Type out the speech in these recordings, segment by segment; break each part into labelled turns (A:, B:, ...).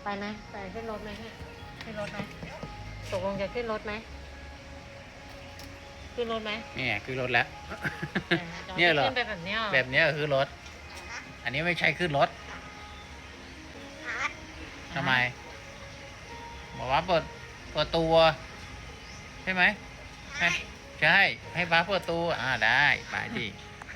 A: ไปไหมไปขึ้นรถไหมเนี่ยขึ้นรถไหมตกลงจะขึ้นรถไหมขึ้นรถไหม
B: นี่คือรถแล้ว
A: เนี่
B: เนี่ย ยเหรอ
A: ขึ้นไปแบบเนี้ย
B: แบบนี้คือรถ อันนี้ไม่ใช่ขึ้นรถทำไมบอกว่าเปิดตัวใช่ไหมใช่ให้ป้าเปิดตัวได้ไปดิ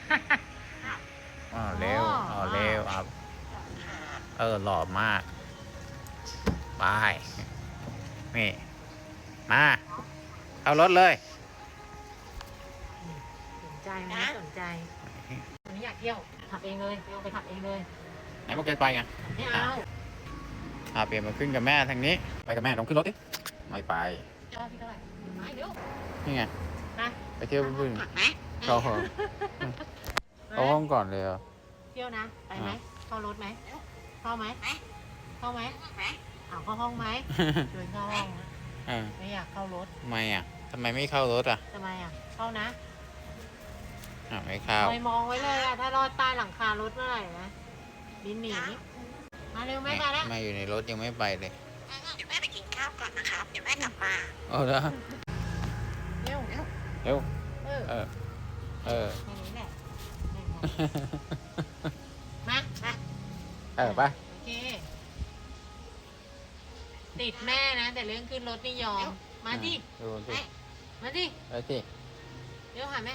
B: เร็วเร็วหล่อมากไปนี่มาเอารถเลย
A: สนใจไหมสนใจวันนี้อยากเที่ยวขับเองเลยไปขับเองเลย
B: ไหนบอกจะไปไง
A: ไม่เอา
B: เปลี่ยนมาขึ้นกับแม่ทางนี้ไปกับแม่ลองขึ้นรถดิไม่ไป
A: พี่เท่าไหร่ไม่เดี๋ยว
B: นี่ไงไปเที่ยวเพื่อนเข้าห้องก่อนเลย
A: เที่ยวนะไปไหมเข้ารถไหมเข้าไหมเข้าไหมเข้าห้องไหมชวนเข้าห้องไม่อยากเข้ารถ
B: ทำไมทำไมไม่เข้ารถ
A: ทำไมเข้านะ
B: ไม่เข้า
A: มองไว้เลยถ้ารอดใต้หลังคารถเมื่อไหร่นะบินหนีมาเร็วไม่มาแล้ว
B: มาอยู่ในรถยังไม่ไปเลย
C: เดี๋ยวแม่ไปกินข้าวก่อนนะครับเดี๋ยวแม่กลับมา
B: แล้ว
A: เร็ว
B: แค่
A: นี้แหละมา
B: ไป
A: โอเคติดแม่นะแต่เรื่องขึ้นรถไม่ยอมมาดิมาดิ
B: ไปสิ
A: เร็วหาแม่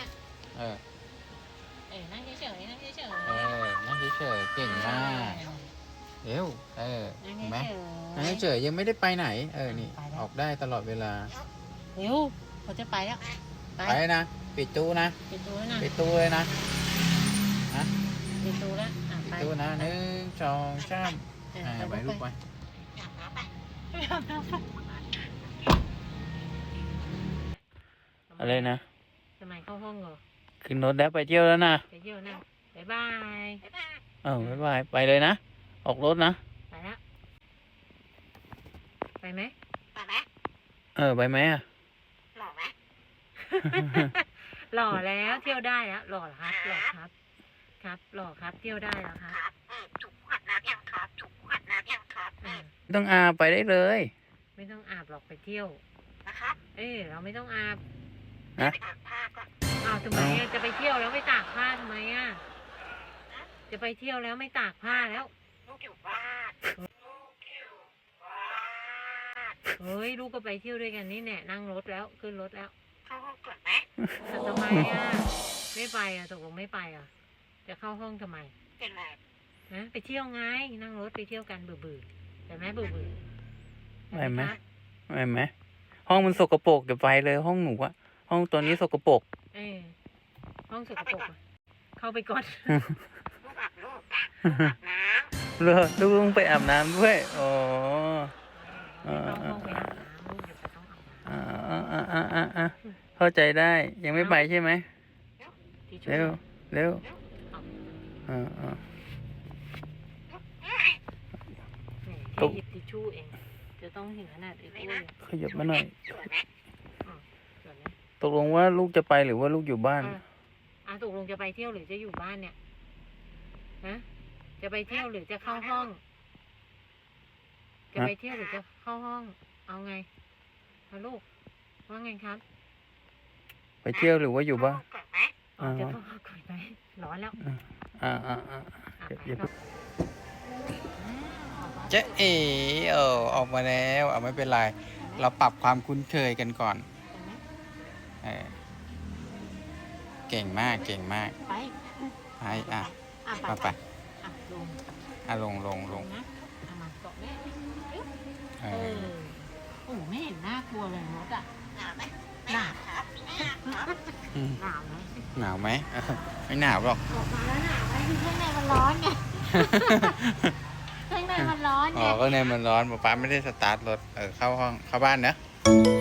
A: นั่งเฉยนั่งเฉย
B: นั่งเฉยเก่งมากเร็วเห็นไหมนั่งเฉยยังไม่ได้ไปไหนนี่ออกได้ตลอดเวลา
A: เร็วเขาจะไปแล้ว
B: ไปนะปิดตู้นะ
A: ปิดตู้นะ
B: ปิดตู้เลยนะ
A: ปิดตู้แล้ว
B: ปิดตู้นะ1 2 3ไปลูกไปอะไรนะ
A: ทำไมเข้าห้องเหรอ
B: ขึ้นรถแล้วไปเที่ยวแล้วนะ
A: ไปเที่ยวนะบ๊ายบาย
B: บ๊ายบายไปเลยนะออกรถนะ
A: ไปแล้วไปไหม
C: ไปไหม
B: ไปไหม
C: หล่อไหม
A: หล่อแล้วเที่ยวได้แล้วหล่อครับหล่อครับครับหล่อครับเที่ยวได้แล้วครับ
C: ถูกขัดน้ำยังครับถูกขัดน้ำยังครับ
B: ต้องอาบไปได้เลย
A: ไม่ต้องอาบหรอกไปเที่ยว
C: นะครับ
A: เราไม่ต้องอาบ
B: นะ
C: ตากผ้าก่อน
A: ทำไมจะไปเที่ยวแล้วไม่ตากผ้าทำไมจะไปเที่ยวแล้วไม่ตากผ้าแล้ว
C: ลูกอยู่บ้าน
A: เฮ้ยลูกก็ไปเที่ยวด้วยกันนี่แน่นั่งรถแล้วขึ้นรถแล้ว
C: เข้าห้องก่อนไหม
A: ทำไมไม่ไปตกลงไม่ไปจะเข้าห้องทำไม
C: เป็นไร
A: ไปเที่ยวไงนั่งรถไปเที่ยวกันเบื่อแต่แม่เบื่อ
B: ไม่ไหมห้องมันสกปรกเดี๋ยวไปเลยห้องหนูห้องตัวนี้สกปรก
A: ห้องสกปรกเข้าไปก่อน
C: ลูกอาบน้ำ
B: ลูกต้องไปอาบน้ำด้วยเข้าใจได้ยังไม่ไปใช่ไหมเร็ว
A: หยิบทิชชู่เองจะต้องถึงขนาด
B: ขยับมาหน่อยตกลงว่าลูกจะไปหรือว่าลูกอยู่บ้าน
A: ตกลงจะไปเที่ยวหรือจะอยู่บ้านเนี่ยจะไปเที่ยวหรือจะเข้าห้องจะไปเที่ยวหรือจะเข้าห้องเอาไงลูกว่าไงครับ
B: ไปเที่ยวหรือว่าอยู่บ้าน
A: จะเข้าห้องก่อนไหมร้อนแล้ว
B: เจ๊ออกมาแล้วไม่เป็นไรเราปรับความคุ้นเคยกันก่อนเก่งมากไปลง
A: นะมาเกาะแม่โอ้ไม่เห็นน่ากลัวเลยรถ
C: หนาวไหม
A: หนาวครับหนาวไหม
B: ไม่หนาวหรอก
A: ออกมาแล้วหนาวไหมคือข้างในมันร้อนไงข้างในมันร้อนไง
B: ข้างในมันร้อนป๊าไม่ได้สตาร์ทรถเข้าห้องเข้าบ้านนะ